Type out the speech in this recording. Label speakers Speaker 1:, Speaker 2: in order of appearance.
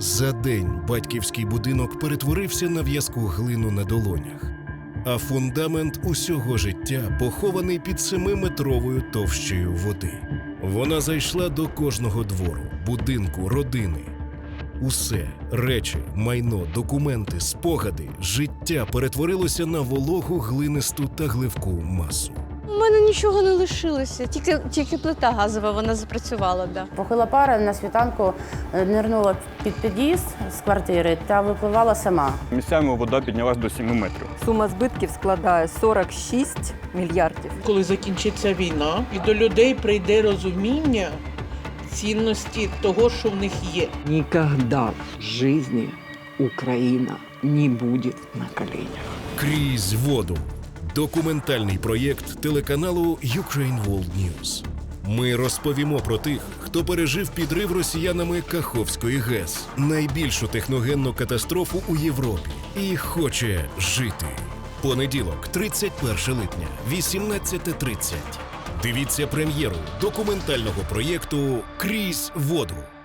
Speaker 1: За день батьківський будинок перетворився на в'язку глину на долонях, а фундамент усього життя похований під 7-метровою товщею води. Вона зайшла до кожного двору, будинку, родини. Усе – речі, майно, документи, спогади, життя перетворилося на вологу, глинисту та гливку масу.
Speaker 2: У мене нічого не лишилося, тільки плита газова, вона запрацювала, да.
Speaker 3: Похила пара на світанку нирнула під під'їзд з квартири та випливала сама.
Speaker 4: Місцями вода піднялась до 7 метрів.
Speaker 5: Сума збитків складає 46 мільярдів.
Speaker 6: Коли закінчиться війна, і до людей прийде розуміння цінності того, що в них є.
Speaker 7: Никогда в жизни Украина не будет на коленях.
Speaker 1: «Крізь воду» – документальний проєкт телеканалу Ukraine World News. Ми розповімо про тих, хто пережив підрив росіянами Каховської ГЕС, найбільшу техногенну катастрофу у Європі, і хоче жити. Понеділок, 31 липня, 18:30. Дивіться прем'єру документального проєкту «Крізь воду».